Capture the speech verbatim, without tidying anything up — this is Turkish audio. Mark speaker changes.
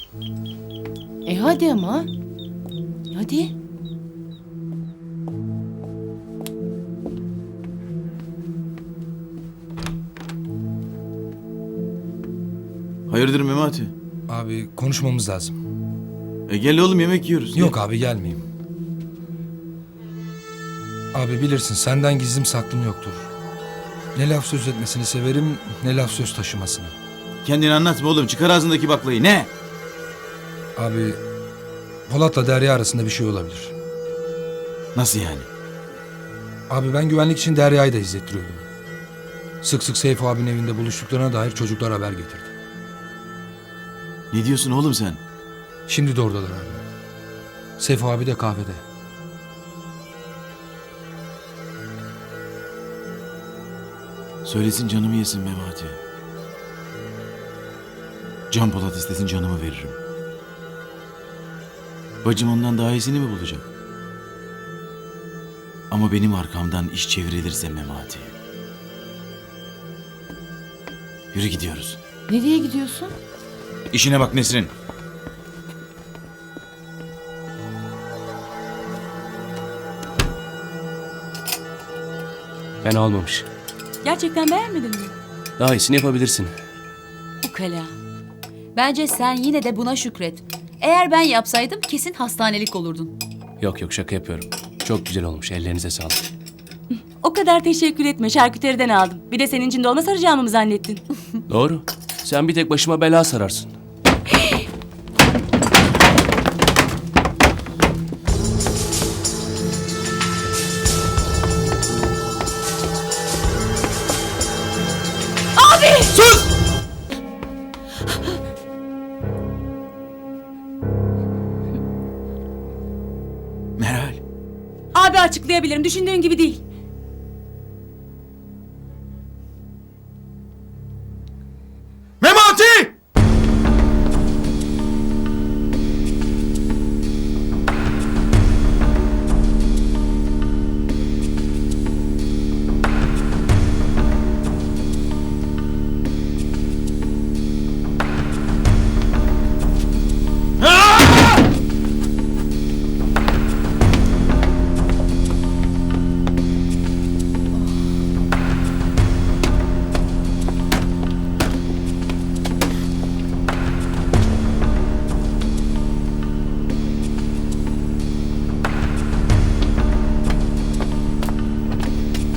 Speaker 1: E hadi ama. Hadi.
Speaker 2: Hayırdır Memati?
Speaker 3: Abi konuşmamız lazım.
Speaker 2: E gel oğlum, yemek yiyoruz.
Speaker 3: Yok abi gelmeyeyim. Abi bilirsin senden gizlim saklım yoktur. Ne laf söz etmesini severim ne laf söz taşımasını.
Speaker 2: Kendini anlatma oğlum, çıkar ağzındaki baklayı. Ne?
Speaker 3: Abi Polat'la Derya arasında bir şey olabilir.
Speaker 2: Nasıl yani?
Speaker 3: Abi ben güvenlik için Derya'yı da izlettiriyordum. Sık sık Seyfo abinin evinde buluştuklarına dair çocuklar haber getirdi.
Speaker 2: Ne diyorsun oğlum sen?
Speaker 3: Şimdi de oradalar abi. Seyfo abi de kahvede.
Speaker 2: Söylesin canımı yesin Memati. Can Polat istesin canımı veririm. Bacım ondan daha iyisini mi bulacak? Ama benim arkamdan iş çevrilirse Memati. Yürü gidiyoruz.
Speaker 1: Nereye gidiyorsun?
Speaker 2: İşine bak Nesrin.
Speaker 4: Fena olmamış.
Speaker 5: Gerçekten beğenmedin mi?
Speaker 4: Daha iyisini yapabilirsin.
Speaker 5: Ukala. Bence sen yine de buna şükret. Eğer ben yapsaydım kesin hastanelik olurdun.
Speaker 4: Yok yok, şaka yapıyorum. Çok güzel olmuş. Ellerinize sağlık.
Speaker 5: O kadar teşekkür etme. Şarküteriden aldım. Bir de senin için dolma saracağımı mı zannettin?
Speaker 4: Doğru. Sen bir tek başıma bela sararsın.
Speaker 2: Meral.
Speaker 5: Abi açıklayabilirim. Düşündüğün gibi değil.